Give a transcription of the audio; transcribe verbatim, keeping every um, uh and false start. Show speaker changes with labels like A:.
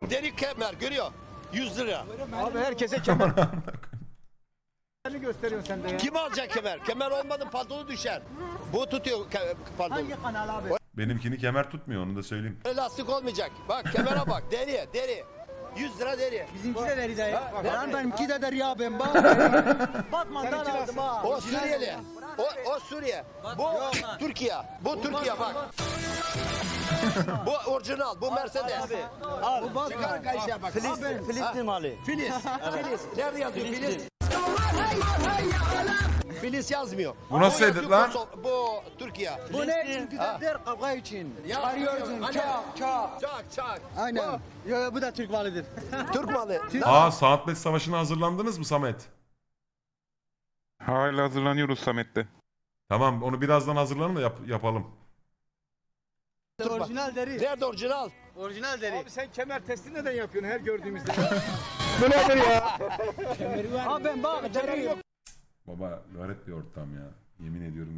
A: deri kemer görüyor. yüz lira.
B: Abi herkese kemer gösteriyorsun sen de ya.
A: Kim alacak kemer? Kemer olmadı pantolonu düşer. Bu tutuyor ke- pantolonu.
B: Hangi kanal abi?
C: Benimkini kemer tutmuyor, onu da söyleyeyim.
A: Lastik olmayacak. Bak kemere bak. Deri, deri. yüz lira deri.
B: Bizimki de deri dayı.
A: Ha,
B: Lan benimki de deri ya ben bak. Batman'dan aldım ha.
A: O Suriyeli. O, o Suriye. Bu Türkiye. Bu Türkiye bak. Bu orijinal. Bu Mercedes.
B: Bu Batman.
A: Çıkar kayışa bak.
D: Filistin, Filistin malı.
A: Filiz. Filiz. Nerede yazıyor Filiz? Filiz yazmıyor.
C: Bu nasıl
A: yazıyor
C: edit lan?
A: Kosovo- Bu Türkiye.
B: Bu ne için? Güzeldir kavga için.
A: Ya,
B: Çıkarıyorsun
A: hani-
B: çak çak.
A: Çak çak.
B: Aynen. Yo, bu da Türk malıdır.
A: Bu Türk malı.
C: Aa, Saatlet Savaşı'na hazırlandınız mı Samet?
E: Hala hazırlanıyoruz Samet'te.
C: Tamam, onu birazdan hazırlanın da yap- yapalım.
B: Orijinal deri.
A: Nerede orijinal?
B: Orijinal deri.
F: Abi sen kemer testi neden yapıyorsun her gördüğümüzde?
B: Abi ben bak deri.
C: Baba lanet bir ortam ya. Yemin ediyorum.